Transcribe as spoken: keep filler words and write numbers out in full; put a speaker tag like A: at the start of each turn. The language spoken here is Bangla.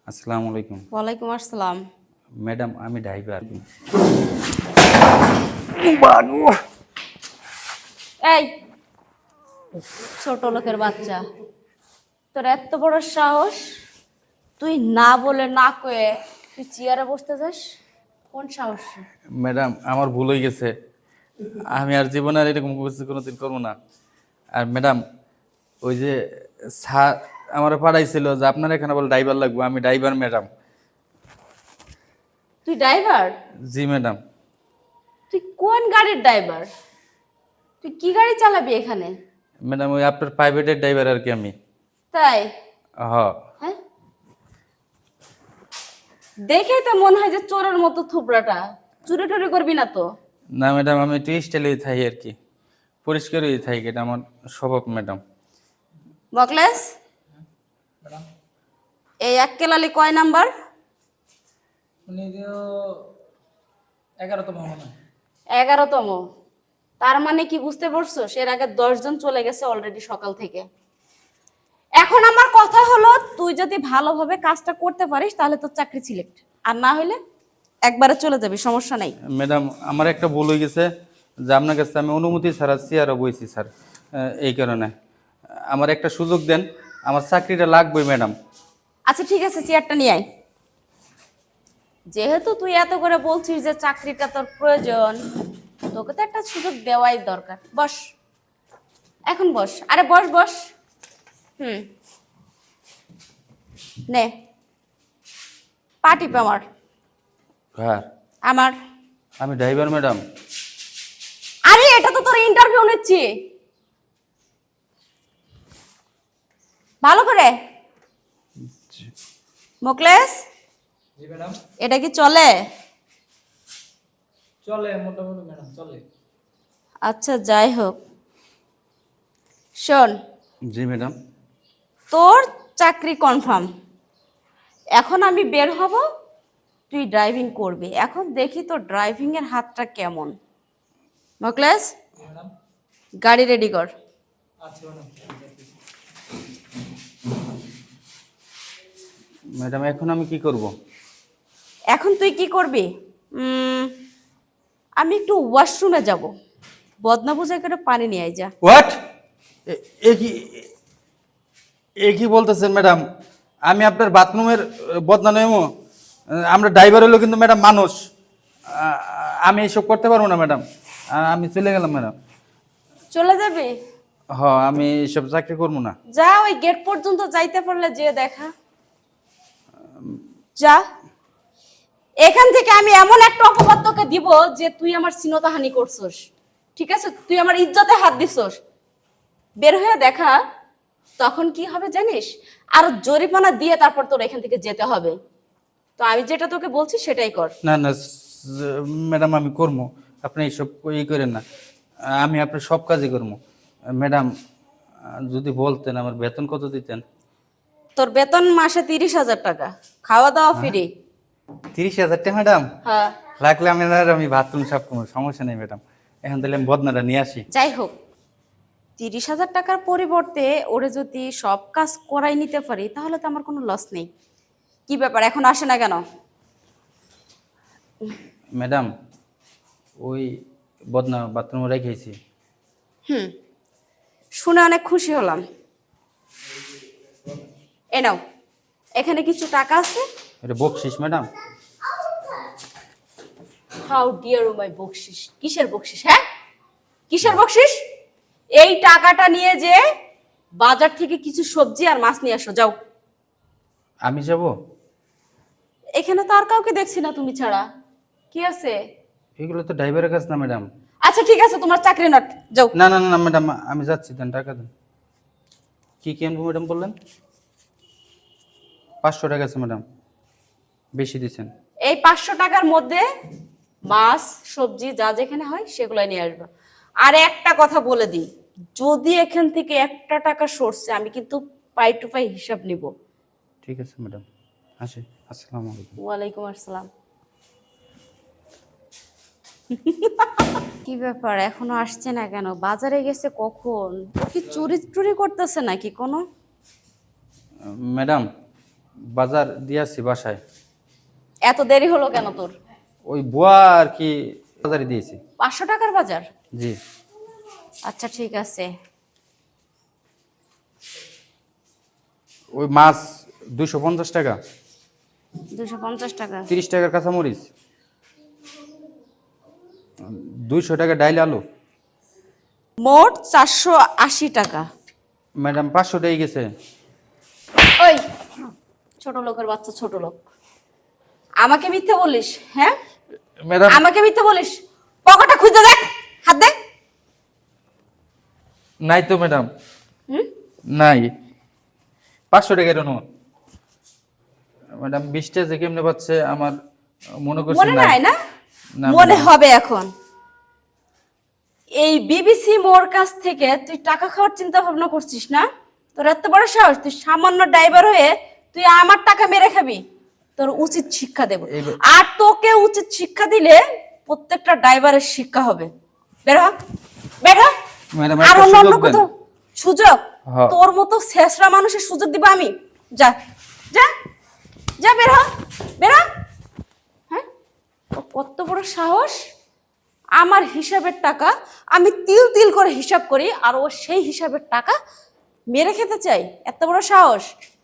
A: আসসালামু আলাইকুম।
B: ওয়ালাইকুম আসসালাম।
A: ম্যাডাম আমি ড্রাইভার।
B: এই ছোট লোকের বাচ্চা, তোর এত বড় সাহস, তুই না বলে না কয়ে তুই চেয়ারে বসতে যাস? কোন সাহস?
A: ম্যাডাম আমার ভুল হয়ে গেছে, আমি আর জীবনে আর এরকম কিছু কোনোদিন করবো না। আর ম্যাডাম ওই যে স্যার আমার পাঠাইছিল যে আপনার এখানে বলে ড্রাইভার লাগবে, আমি ড্রাইভার ম্যাডাম।
B: তুই ড্রাইভার?
A: জি ম্যাডাম।
B: তুই কোন গাড়ির ড্রাইভার? তুই কি গাড়ি চালাবি এখানে?
A: ম্যাডাম ওই আপনার প্রাইভেটের ড্রাইভার আর কি আমি।
B: তাই?
A: হ।
B: হ্যাঁ, দেখেই তো মনে হয় যে চোরের মতো থুবড়াটা। চুরি টুরি করবি না তো?
A: না ম্যাডাম আমি একটু স্টাইলে থাই আর কি, পরিষ্কার হয়ে থাই, এটা আমার স্বভাব ম্যাডাম।
B: বকলেস, এই এক কেলালি কয় নাম্বার?
C: উনি তো এগারোতম মনে হয়।
B: এগারোতম। তার মানে কি বুঝতে পারছো, এর আগে দশ জন চলে গেছে অলরেডি সকাল থেকে। এখন আমার কথা হলো, তুই যদি ভালোভাবে কাজটা করতে পারিস তাহলে তোর চাকরি সিলেক্ট, আর না হলে একবারে চলে যাবি, সমস্যা নাই।
A: ম্যাডাম আমার একটা ভুল হয়ে গেছে যে আপনার কাছে আমি অনুমতি ছাড়া চেয়ারও বইছি স্যার, এই কারণে আমার একটা সুযোগ দেন, আমার চাকরিটা লাগবেই ম্যাডাম।
B: আচ্ছা ঠিক আছে, চেয়ারটা নিয়ে আয়। যেহেতু তুই এত করে বলছিস যে চাকরিটা তোর প্রয়োজন, তোকে তো একটা সুযোগ দেওয়াই দরকার। বস, এখন বস। আরে বস বস। হুম, নে পাটিপ আমার।
A: হ্যাঁ
B: আমার।
A: আমি ড্রাইভার ম্যাডাম।
B: আরে এটা তো তোর ইন্টারভিউ নিচ্ছি, ভালো করে। মোকলেস,
C: জি ম্যাডাম।
B: এটা কি চলে?
C: চলে মোটামুটি ম্যাডাম, চলে।
B: আচ্ছা যাই হোক, শোন,
A: জি ম্যাডাম।
B: তোর চাকরি কনফার্ম। এখন আমি বের হব, তুই ড্রাইভিং করবি। এখন দেখি তোর ড্রাইভিং এর হাতটা কেমন। মোকলেস,
C: ম্যাডাম।
B: গাড়ি রেডি কর।
C: আচ্ছা ম্যাডাম।
A: ম্যাডাম এখন আমি কি করব?
B: এখন তুই কি করবি? উম, আমি একটু ওয়াশরুমে যাব, বদনা বুঝে করে পানি নিয়ে আয় যা।
A: হোয়াট? এ কি এ কি বলতেছেন ম্যাডাম? আমি আপনার বাথরুমের বদনা নেবো? আমরা ড্রাইভার হলো কিন্তু ম্যাডাম মানুষ, আ- আমি এইসব করতে পারবো না ম্যাডাম, আ- আমি চলে গেলাম ম্যাডাম।
B: চলে যাবি?
A: হ আমি এইসব চাকরি করবো না।
B: যা, ওই গেট পর্যন্ত যাইতে পারলে যে দেখা। যা, এখান থেকে আমি এমন একটা অপবাদ তোকে দিব যে তুই আমার সিনতাহানি করছস। ঠিক আছে, তুই আমার ইজ্জতে হাত দিছস। বের হয়ে দেখা, তখন কি হবে জানিস? আর জরিমানা দিয়ে তারপর তোর এখান থেকে যেতে হবে। তো আমি যেটা তোকে বলছি সেটাই কর।
A: না না ম্যাডাম আমি করবো, আপনি এইসব ই করেন না, আমি আপনার সব কাজই করবো ম্যাডাম। যদি বলতেন আমার বেতন কত দিতেন?
B: তোর বেতন মাসে তিরিশ হাজার টাকা, খাওয়া দাওয়া ফ্রি।
A: তিরিশ হাজার টাকা ম্যাডাম?
B: হ্যাঁ।
A: রাখলে আমি আর আমি বাথরুম সাফ করবো, সমস্যা নেই ম্যাডাম। এখন তাহলে আমি বদনাটা নিয়ে আসি।
B: যাই হোক, তিরিশ হাজার টাকার পরিবর্তে ওরে যদি সব কাজ করাই নিতে পারি তাহলে তো আমার কোনো লস নেই। কি ব্যাপার, এখন আসে না কেন?
A: ম্যাডাম ওই বদনা বাথরুমে রেখেছি।
B: হুম, শুনে অনেক খুশি হলাম। এ নাও, এখানে কিছু টাকা আছে।
A: এটা বকশিস madam?
B: How dear oh my বকশিস? কিসের বকশিস? হ্যাঁ, কিসের বকশিস? এই টাকাটা নিয়ে যে বাজার থেকে কিছু সবজি আর মাছ নিয়ে আসো, যাও।
A: আমি যাব?
B: এখানে তো আর কাউকে দেখছি না তুমি ছাড়া। কি আছে?
A: এগুলো তো ড্রাইভারের কাজ না ম্যাডাম।
B: আচ্ছা ঠিক আছে, তোমার চাকরি নট, যাও।
A: না না না ম্যাডাম আমি যাচ্ছি, দেন টাকা দেন। কি কি আনবো ম্যাডাম বললেন? পাঁচশো টাকা আছে ম্যাডাম, বেশি দিচ্ছেন।
B: এই পাঁচশো টাকার মধ্যে মাছ সবজি যা যেখানে হয় সেগুলো নিয়ে আসবে। আর একটা কথা বলে দিই, যদি এখান থেকে একটা টাকা সরছে আমি কিন্তু পাই টু পাই হিসাব নিব।
A: ঠিক আছে ম্যাডাম, আসি। আসসালামু আলাইকুম।
B: ওয়ালাইকুম আসসালাম। কি ব্যাপার, এখনো আসছে না কেন? বাজারে গেছে কখন? ও কি চুরি টুরি করতেছে নাকি কোনো?
A: ম্যাডাম বাজার দিয়ে আসছি বাসায়।
B: এত দেরি হলো কেন তোর?
A: ওই বুয়া আর কি বাজারে দিয়েছি।
B: পাঁচশো টাকার বাজার?
A: জি।
B: আচ্ছা ঠিক আছে।
A: ওই মাছ দুইশো পঞ্চাশ টাকা,
B: দুশো পঞ্চাশ টাকা।
A: তিরিশ টাকার কাঁচামরিচ, দুইশো টাকা ডাইল আলু।
B: মোট চারশো আশি টাকা।
A: ম্যাডাম পাঁচশো টাকা গেছে।
B: ওই ছোট লোকের বাচ্চা, ছোট লোক, আমাকে মিথ্যে বলিস? হ্যাঁ
A: ম্যাডাম
B: আমাকে মিথ্যে বলিস? পকেটটা খুঁজে দেখ, হাত দে।
A: নাই তো ম্যাডাম,
B: হুম?
A: নাই। পাঁচশো টাকার নোট ম্যাডাম। বিশটা যে কেমনে পাচ্ছে আমার মনে করছে
B: মনে নাই না?
A: না,
B: মনে
A: ম্যাডাম।
B: হবে এখন। এই বিবিসি মোর কাছ থেকে তুই টাকা খাওয়ার চিন্তা ভাবনা করছিস না? তোর এত বড় সাহস, তুই সামান্য ড্রাইভার হয়ে তুই আমার টাকা মেরে খাবি? তোর উচিত শিক্ষা দেব।
A: এই-
B: আর তোকে উচিত শিক্ষা দিলে প্রত্যেকটা ড্রাইভারের শিক্ষা হবে। বের হ, বের হ।
A: ম্যাডাম,
B: আর
A: একটা
B: অন্য অন্য
A: সুযোগ দেন।
B: কোথাও সুযোগ?
A: হ্যাঁ।
B: তোর মতো শেষরা মানুষের সুযোগ দিব আমি? যা যা যা, বের হ, বের হ। হ্যাঁ, ও কত বড় সাহস! আমার হিসাবের টাকা আমি তিল তিল করে হিসাব করি, আর ও সেই হিসাবের টাকা মেরে খেতে চাই? এত বড় সাহস!